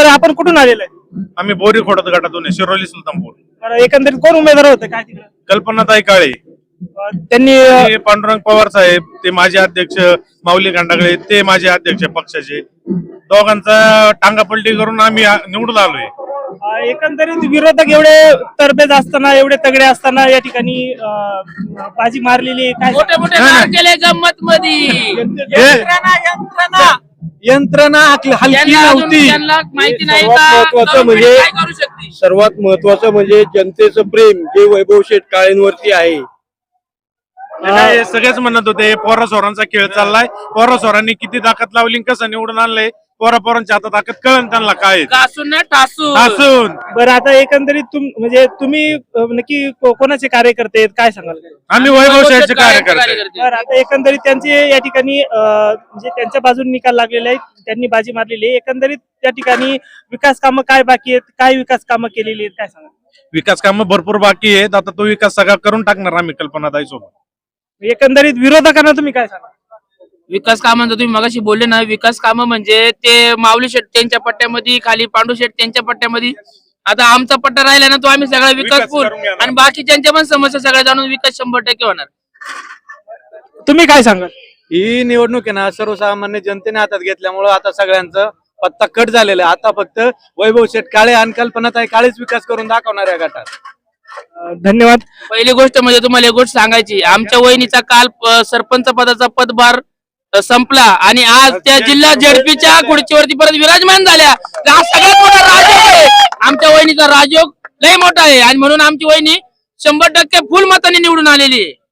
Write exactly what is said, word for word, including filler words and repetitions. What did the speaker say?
बरं आपण कुठून आलेलो आहे? आम्ही बोरी खोडत गटातून आहे, शिरोली सुलतानपूर. बरं एकंदरीत कोण उमेदवार होते काय तिकडे? कल्पनाताई काळे, अं, त्यांनी अं, ते पांडुरंग पवार साहेब, ते माजी अध्यक्ष माऊली गांडागळे, ते माजी अध्यक्ष पक्षाचे, दोघांचा टांगापलटी करून आम्ही आ- निवडून आलोय. अं, एकंदरीत विरोधक एवढे तरबेज असताना एवढे तगडे असताना या ठिकाणी अं, बाजी मारलेली काय मोठे मोठे नाही, नाव नाही. केले गंमत मध्ये यंत्रणा हलकी त्यांना अजून नव्हती. त्यांना माहिती नाही सर्वात का महत्त्वाचं government म्हणजे- काय करू शकते. सर्वात महत्वाचं म्हणजे जनतेचं प्रेम जे वैभव शेठ काळेंवरती आहे. ते काय सगळेच म्हणत होते पोरा सोरांचा खेळ चाललाय, पोरा सोरांनी किती ताकद लावली, कसं निवडून आणलंय, पोरा पोरांची आता ताकद कळण त्यांना काय आहे. घासून ना टासून असून बरं आता एकंदरीत तुम म्हणजे तुम्ही अं, नक्की को- कोणाचे कार्यकर्ते आहेत काय सांगाल? आम्ही वैभव शेठचे कार्यकर्ते आहे. बरं आता एकंदरीत त्यांचे या ठिकाणी अं, म्हणजे त्यांच्या बाजूने निकाल लागलेले आहेत, त्यांनी बाजी मारलेली आहे. एकंदरीत त्या ठिकाणी विकास कामं काय बाकी आहेत, काय विकास कामं केलेली आहेत काय सांगाल? विकास कामं भरपूर बाकी आहेत, आता तो विकास सगळा करून टाकणार आम्ही कल्पनाताई सोबत. एकंदरीत विरोधकांना तुम्ही काय सांगाल? विकास कामांचं तुम्ही मगाशी बोलले ना, विकास कामं म्हणजे ते माऊली शेठ त्यांच्या पट्ट्यामध्ये, खाली पांडू शेठ त्यांच्या पट्ट्यामध्ये. आता आमचा पट्टा राहिला ना, तो आम्ही सगळा विकास विकास पूर्ण करून घेणार. आणि बाकीच्यांच्या पण समस्या सगळ्या जाणून विकास शंभर टक्के होणार. तुम्ही काय सांगाल? ही निवडणूक आहे ना सर्वसामान्य जनतेने हातात घेतल्यामुळं आता सगळ्यांचं पत्ता कट झालेला आहे. आता फक्त वैभव शेठ काळे आणि कल्पनाताई काळेच विकास करून दाखवणार या गटात. अं, धन्यवाद. पहिली गोष्ट म्हणजे तुम्हाला एक गोष्ट सांगायची, आमच्या वहिनीचा काल अ, सरपंच पदाचा पदभार अ, संपला आणि आज त्या जिल्हा झेडपीच्या खुर्चीवरती परत विराजमान झाल्या. हा सगळ्यात मोठा राजयोग आहे. आमच्या वहिनीचा राजयोग लय मोठा आहे आणि म्हणून आमची वहिनी शंभर टक्के फुल मताने निवडून आलेली आहे.